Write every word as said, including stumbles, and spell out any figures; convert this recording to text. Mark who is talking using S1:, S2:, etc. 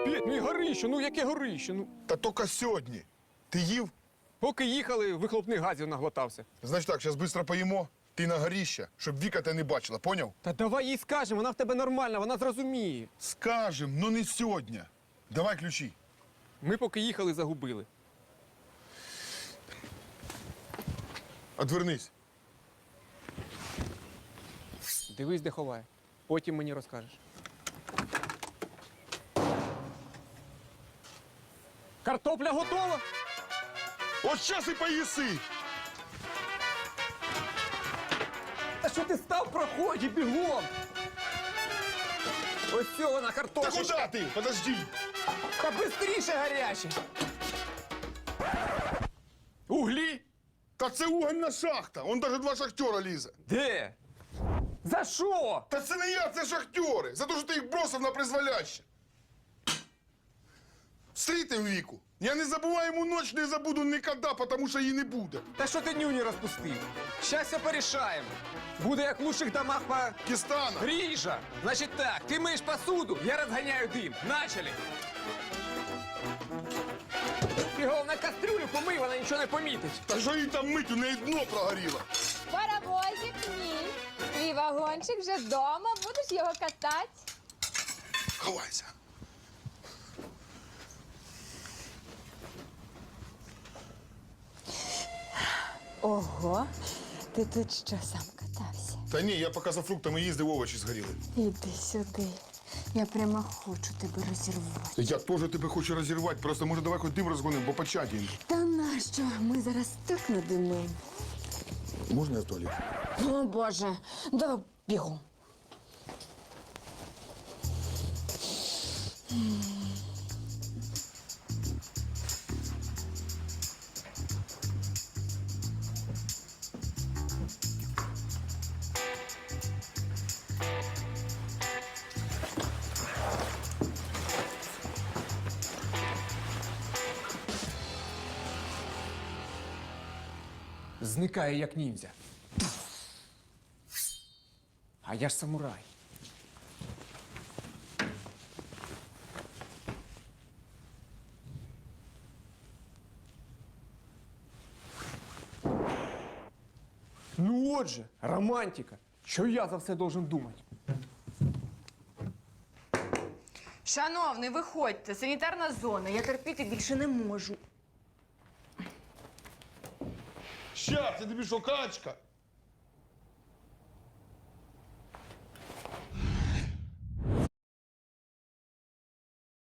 S1: Петь, ну і горище, ну яке горище? Ну,
S2: Та тільки сьогодні. Ти їв?
S1: поки їхали, вихлопних газів наглотався.
S2: Значить так, зараз швидко поїмо. Ти на горіще, щоб Віка тебе не бачила, поняв?
S1: Та давай їй скажемо, вона в тебе нормальна, вона зрозуміє.
S2: Скажем, ну не сьогодні. Давай ключі.
S1: Ми поки їхали, загубили.
S2: Отвернись.
S1: Дивись, де ховає. Потім мені розкажеш. Картопля готова?
S2: От зараз і поїси.
S1: Та що ти став в проході, бігом? Ось цього вона
S2: Та
S1: картопля.
S2: куди ти? Подожди.
S1: Та бистріше гаряче. Углі?
S2: Та це угольна шахта. Он навіть два шахтера лізе.
S1: Де? За що?
S2: Та це не я, це шахтери. За те, що ти їх бросив на призволяще. Встрітив Віку. Я не забуваю йому ніч, не забуду ніколи, тому що її не буде.
S1: Та що ти нюні розпустив? Щас все порішаємо. Буде як в лучших домах по...
S2: Кістана.
S1: Ріжа! Значить так, ти миєш посуду, я розганяю дим. Начали! Ти головне кастрюлю помий, вона нічого не помітить.
S2: Та що їй там мить, у неї дно прогоріло.
S3: Паровозик мій. Твій вагончик вже вдома, будеш його катати.
S2: Ховайся.
S3: Ого, ти тут що, сам катався?
S2: Та ні, я поки за фруктами їздив, овочі згоріли.
S3: Іди сюди. Я прямо хочу тебе розірвати.
S2: Я теж тебе хочу розірвати, просто може давай хоч дим розгонимо, бо початіємо.
S3: Та нащо? Ми зараз так надимимо.
S2: Можна я в туалет?
S3: О, Боже, давай бігом.
S1: Зникає як ніндзя. А я ж самурай. Ну отже, романтика. Що я за все должен думати?
S4: Шановний, виходьте, санітарна зона. Я терпіти більше не можу.
S2: Щас, я тобі що, качка?